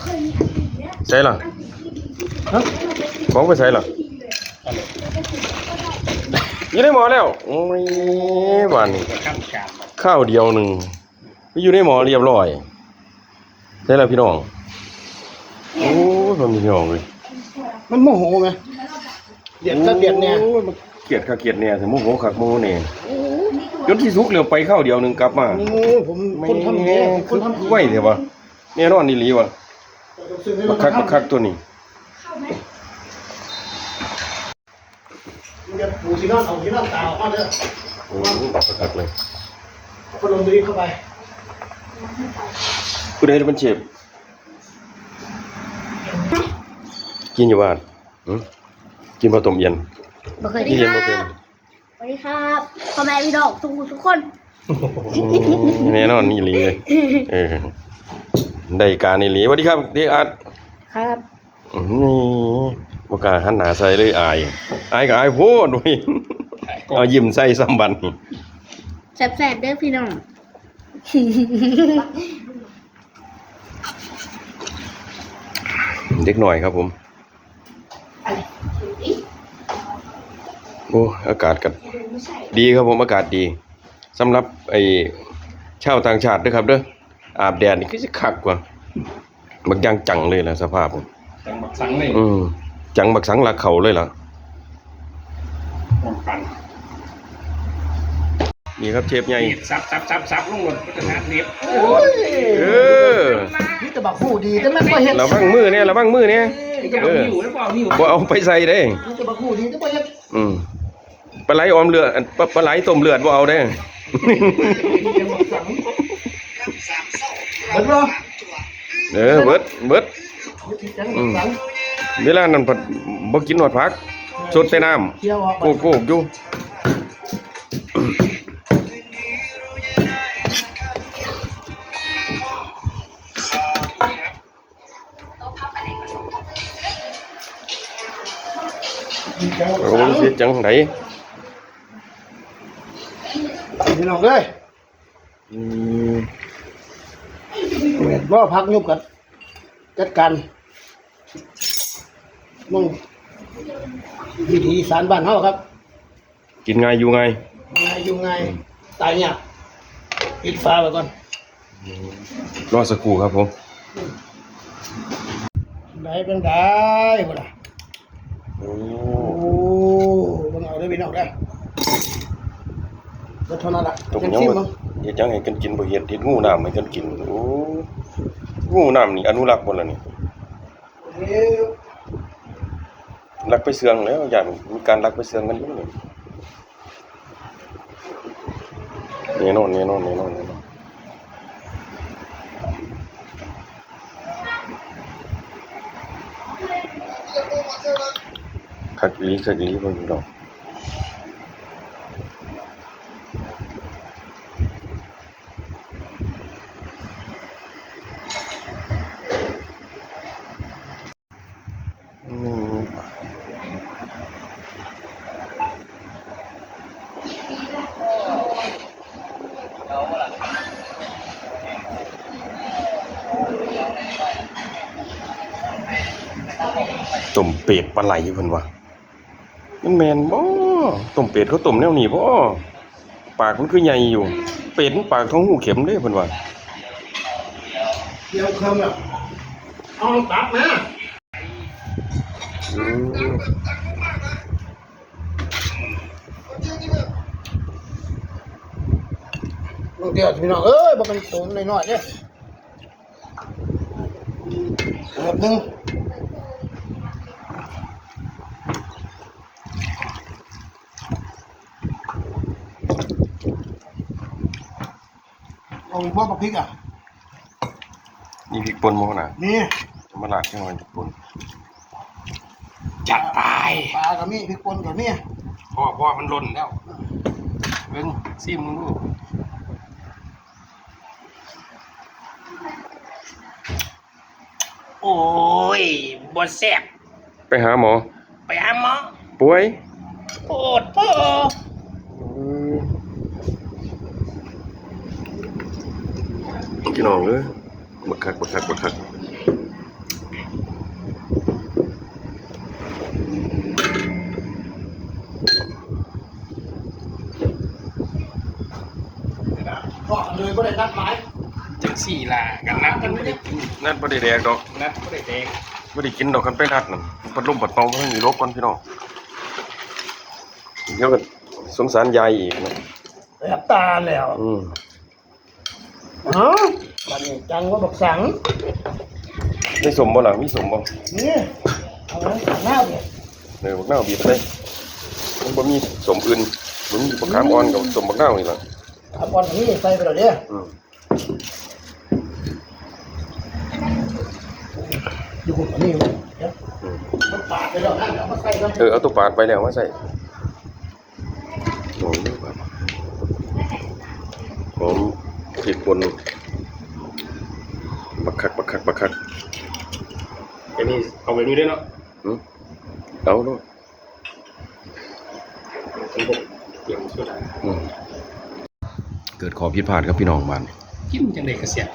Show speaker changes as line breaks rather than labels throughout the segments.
ใช่หรอของไปใช่หรออยู่ในหมอแล้วโอ้ยหวานข้าวเดียวหนึ่งไปอยู่ในหมอเรียบร้อยใช่แล้วพี่น้องโอ้มันมีพี่น้องเลย
มันโมโหไหมเดียดก็เดียดเนี่ย
เกลียดข้าเกลียดเนี่ยถึงโมโหขักโมเนี่ยจนที่สุกเร็วไปข้าวเดียวหนึ่งกลับมา
ผมคนทำแง่คนทำ
ไหวเถอะวะเนี่ยนอนนี่หลีวะบักคักตัวนี้
ปูที่นอนเอาที่นอนตาออกมาเด้อ
โอ้บักคักเลย
พัดลมตัวนี้เข้าไป
กูได้เป็นเชฟกินอยู่บ้านกินปลาต้มเย็น
กินเย็นบ่เป็นสวัสดีครับพ่อแม่พี่น้องทุกคน
แน่นอนนี่หลีเลยได้การนี่หลีสวัสดีครับที่อาร์ต
ครับ
นี่บกล้าหันหน้าใส่เลยอายกับอายโพดด้วยเอายิ้มใส่ซ้ำบัน
แซ่บๆเด้อพี่น้อง
เด็กหน่อยครับผมโอ้อากาศกันดีครับผมอากาศดีสำหรับไอ้ชาวต่างชาติด้วยครับเด้ออาบแดดนี่คือสิคักกว่าบักย่างจังเลยล่ะสภาพผม
จังบักสังเลย
จังบักสังหลักเขาเลยล่ะนี่ครับเชฟใหญ่
ซับลงหมดก็จะหาเน็บ
นี่
แต่บักหูดีแต่ไม่ค่อยเห็น
ระวังมือเนี่ยบ่เอาไปใส่เด้
นี่แต่บักหูดีแต่ไม่เห็น
ปลาไหลออมเลือดปลาไหลต้มเลือดบ่เอาเด้
เบิดบ่
เบิดเวลานั้นบ่กินหอดผักสดแต่น้ำโกกอยู่โอ้ยเสียจังไหน
พี่น้องเลยบ่พักยุบกันจัดการมึงวิธีสารบ้านเฮาครับ
กินไงอยู่ไง
ตายเนี่ยปิดฟ้าไว้ก่อน
รอสักครู่ครับผม
ได้เป็นได้บ่ล่ะโอ้บังเอาได้พี่น้องได้ก็เท่านั้นล่ะ
ตกยังเฮ็ดจังให้กันกินบ่เฮ็ดงูน้ำให้กันกินโอ้งูน้ำนี่อนุรักษ์บ่ล่ะนี่ลักไปเสืองแล้วอย่างมีการลักไปเสืองกันอยู่นี่แน่นอนคักลีเพิ่นดอกต้มเป็ดปลาไหลเพิ่นว่ามันแม่นบ่ต้มเป็ดเขาต้มแนวนี้บ่ปากมันคือใหญ่อยู่เป็ดมันปากท้องหูเข็มเด้เพิ่นว่า
เดี๋ยวคำแบบเอาตักนะลงเดี๋ยวพี่น้องบอกกันโตน้อยๆเนี่ยแบบนึงเอาพวกพริกอ่ะ
นี่พริกป่นมั้งนะ
นี่
มาลาดใช่ไหมพริกป่น
จัดไปปลากับนี่พริกป่นกับนี่
พ่อมันหล่นแล้วเบิ่งซิมมึงดู
โอ้ยบ่แซ่บ
ไปหาหมอป่วย
โปดพ่อ
พี่น้องบักคัก
ได้นัดหมาย
จังสี่ล่ะกันนัดกันไม่ได้กิน
นัดบ่ได้แดกดอก
นัดไม่ได้แดก
บ่ได้กินดอกกันไปนัดนั่นปัดลมปัดเป่ามันมีโรคก่อนพี่น้องเดี๋ยวก็สงสารยายอีกนะ
แอบตาแล้ว อ๋อวันนี้จังว่าบักสัง
ได้สมบ่ล่ะมีสมบ่
นี่เอาไว้หน้าเนี่ย
บักนาวบีบได้มันบ่มีสมอื่นมันมีบักขามอ่อนกับสมบักนาวนี่ล่ะ
เอาบอลนี้ใส่ไปแล้วเด้อ
อืม
อยู่คนนี้มั้งเดี๋ยวมันปาดไปแล้วนั่นเอามาใส่กัน
เอาตัวปาดไปแล้วมาใส่โอ้ยหอมพริกป่นบักคัก
ไอ้นี่เอาแบบนี้ด้วยเนาะ
เอาเนาะ
ผมบอกเตรียมสุดา
เกิดขอผิดพลาดครับพี่น้องบ้าน
กินจังได๋ก็เสียบ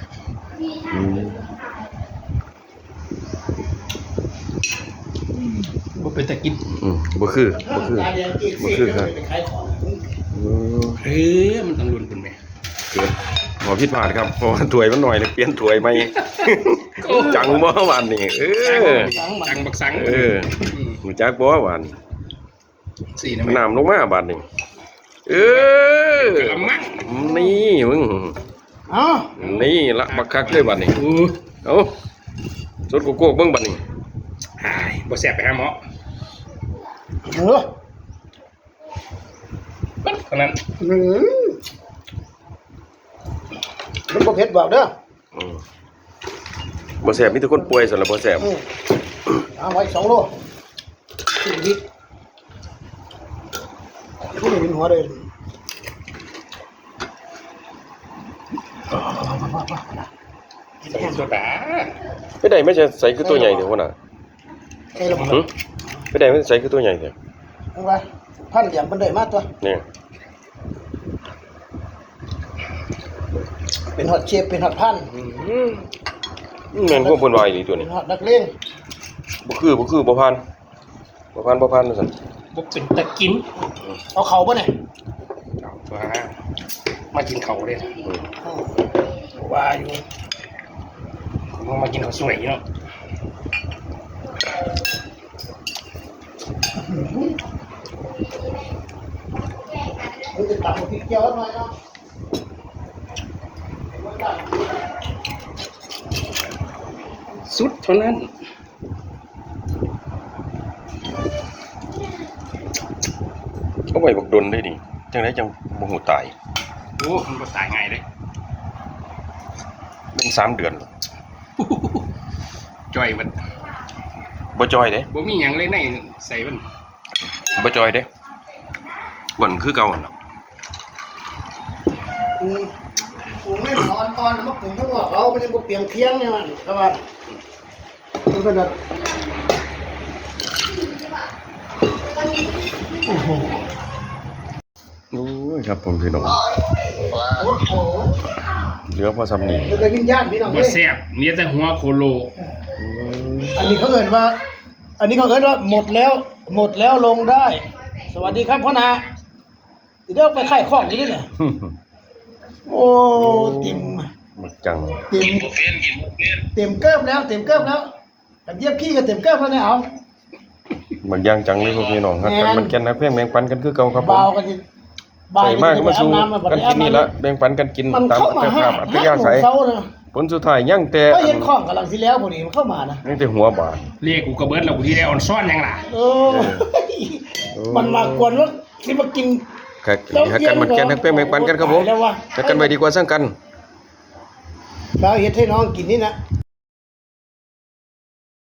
บ่เป็นตะกิน
บ่คือ
ตาแดงจีบ
บ่
สิ
คือครับ
ไปขายของ
เฮ้ยมันต้องลุ้นคุณแม่
เกิดขอผิดพลาดครับเพราะว่าถ้วยมันหน่อยเลยเปลี่ยนถ้วยใหม่ จังบ่หวานนี่
จังบักสัง
หูจักบ่หวาน
สี่นะแม่
น้ำลงมาบาดนี่
กะละมัง
นี่มึง
เอ้า
นี่ละบักคักเลยบาดนี่เอาสดโกโก้เบิ่งบาดนี่
หายบ่แซ่บไปหาหมอ
เออ
ปั๊บเท่านั้น
มันบ่เผ็ดบอกเด้อ
บ่แซ่บมีแต่คนป่วยซั่นล่ะบ่แซ่บ
เอาไว้2 โลชีวิตผู้นี้เป็นหัวเลย
ใส่โซดา
ไม่ได้ไม่ใช่ใส่คือตัวใหญ่เด้อพุ่นน่ะ
ใช่แล้วมั้ง
ไม่ได้ไม่ใส่คือตัวใหญ่เด้อ
เอาไว้พันเหลี่ยมเพิ่นได้มาตัว
นี่
เป็นฮอดเชฟเป็นฮอดพัน
แม่นพวกเพิ่นว่าอีหลีตัว
เป็
นี้
นฮอดนักเลง
บ่คือบ่ผ่านว่าซั่น
บ่เป็นตะกิน
เอาเข้าบ่เนี่ย
เอาตัวมากินเขาเลย
ว่าอยู่
มากินข้าวสวยเนาะ
มันจะตัดพริกเจียวหน่อยเนาะ
สุดเท่านั้น
เอาไว้บักดนได้ดิจังได๋จังบ่ฮู้ตาย
โอ้มันบ่ตายง่ายเลย
เป็น3 เดือน
จ่อยมัน
บ่จอยเด้
บ่มีหยังเลยในใส่มัน
บ่จอยเด้บ่นคือเก่าหั่นน่ะ
ปรุงไม่หออ่อนๆมาปรุงทั้งหมดเอาไม่ได้บ่เปลี่ยนเคียงเนี่ยมันก็ว่ามันก็แบบโอ้โห
โอ้ยครับผมพี่น้อง
โอ้โห
เหลือพอซ้ำนี่
มันก็วิญญาณพี่น้อง
บ่
เอ้ย
แซ่บมีแต่หัวโคโล
อันนี้เขาเอิ้นว่า หมดแล้วลงได้ สวัสดีครับพ่อนาเดี๋ยวไปไข่ข้องอยู่นี่เนี่ยโอ้ติ่ม
มักจัง
เต็มเกิบแล้วแบบเยียบขี้ก็เต็มเกิบแล้วเนี่ยเอา
มักย่างจังเลยพวกพี่น้องครับกันมันแก่นนักเพียงแบ่งปันกันคือเก่าครับผม
เบากันสิ
ใส่มากก็มาสู่กันกินนี่ละแบ่งปันกันกิน
มัน
ตาม
เข้ามา
อัต
ห้า
ภาพอัตยาศัย
เช้านะ
ผลสุดท้ายยังแต่
ก็เห็นข้องกำลังสิแล้วพวกนี้มันเข้ามานะ
ยังแต่หัวบาด
เรียกกูกระเบิดแล้วกูที่ได้ออนซ่อนหยังล่ะ
เออ มันมากวนว่าที่มากิน
ครับหักกันมันแก่นนักเพียงแบ่งปันกันครับผม
แล้ววะ
หักกันไว้ดีกว่าสร้างกัน
เราเฮ็ดให้น้องกินนี่นะ